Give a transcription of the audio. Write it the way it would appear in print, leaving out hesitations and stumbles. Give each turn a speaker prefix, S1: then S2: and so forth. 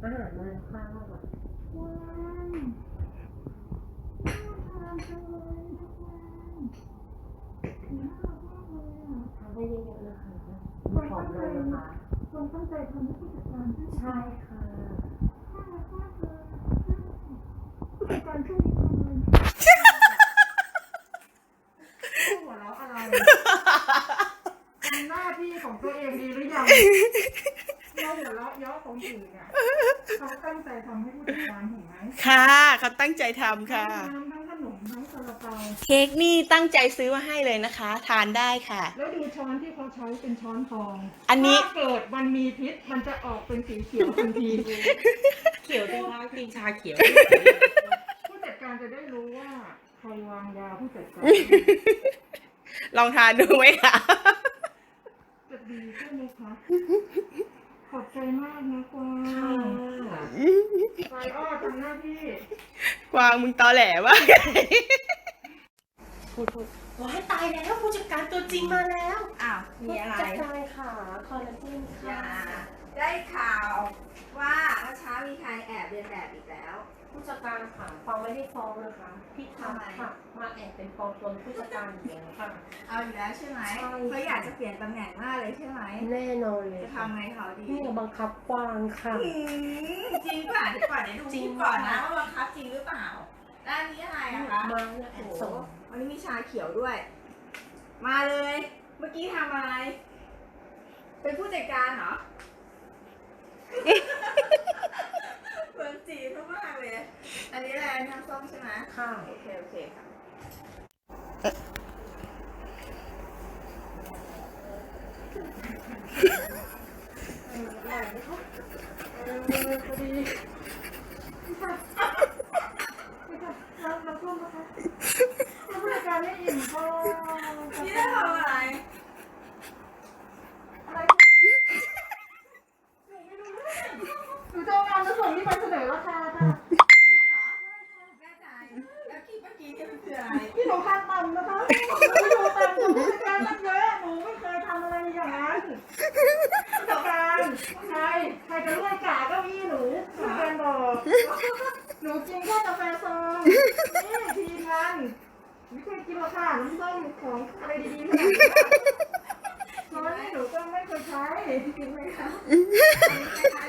S1: อาหารมาข้าวว้าวน่าทานจังเลยทุกวันน่ารักมากเลยอ่ะทานได้เยอะๆนะคะมีของเลยนะคะคนตั้งใจทำให้ผู้จัดการใช่ค่ะน่ารักมากเลยผู้จัดการช่วยทำเลยหัวเราะอะไรทำหน้าที่ของตัวเองดีหรือยังเราหัวเราะเยาะของอื่นเนี่ยเขาตั้งใจทำให้ผู้จัดการเห็นไหม
S2: ค่ะเขาตั้งใจทำค่ะ
S1: ทั้งขนมทั้งซาลาเปา
S2: เค้กนี่ตั้งใจซื้อมาให้เลยนะคะทานได้ค่ะ
S1: แล้วดูช้อนที่เขาใช้เป็นช้อนทอง
S2: อันนี้
S1: ถ้าเกิดมันมีพิษมันจะออกเป็นสีเขียวทันที
S3: เขียวจังคะกินชาเขียว
S1: ผู้จัดการจะได้รู้ว่าใครวางยาผู้จัดการ
S2: ลองทานดูไหมคะ
S1: จะดีใช่ไหมคะขอบใจมากนะกวางไปอ้อทำหน้าที่
S2: กวางมึงตอแหลวะ
S3: พูดว้ายตายแล้วผู้จัดการตัวจริงมาแล้วอ้าวมีอะไร
S1: จัดการค่ะคอลลาเจนค่ะ
S4: ได้ข่าวว่าเมื่อเช้ามีใครแอบเรียนแบบอีกแล้ว
S1: ผู้จัดการค่ะฟ้องไม่ได้ฟ้องนะคะพี่ทำค่ะมาแอบเป็นปลอมตัวผู้จัดการอย่างเงี้ยค่ะ
S4: เอาอยู่แล้วใช่ไหม
S1: ใช่
S4: เขาอยากจะเปลี่ยนตำแหน่งมากเลยใช่ไหม
S1: แน่นอนเลย
S4: จะทำไงเขาดี
S1: นี่บังคับกวางค่ะ
S4: จริงป่ะเดี๋ยวก่อนเดี๋ยวดูคลิปก่อนนะว่าบังคับจริงหรือเปล่าด้านนี้อะไรอะคะ
S1: มาเนี่ย
S4: โอ้โห
S1: ส่ง
S4: วันนี้มีชาเขียวด้วย มาเลย เมื่อกี้ทำอะไร เป็นผู้จัดการเหรอ เหมือนจีบมากเลย อันนี้อะไรน้ำส้มใช่ไหม
S1: ค่ะ
S4: โอเคโอเคค่ะ
S1: เราพูดนะคะผู้จัดการไม่อิ่มก็
S4: นี่ได้ทำอะไร
S1: หนูจะเอางานมาส่งที่ไปเสนอราคาค่ะ
S4: แน่ใจแล้วคลิปเมื่อกี้นี่มันคืออะไร
S1: พี่หนูคาดต่ำนะคะพี่หนูต่ำกว่าผู้จัดการตั้งเยอะหนูไม่เคยทำอะไรอย่างนั้นผู้จัดการใครจะเลื่อยกาเก้าอี้หนูผู้จัดการบอกหนูกินแค่กาแฟซองนี่ทีมงานไม่เคยกินหรอกค่ะน้ำส้มของอะไรดีๆขนาดนี้ช้อนนี่หนูก็ไม่เคยใช้
S4: จริงไหมคะ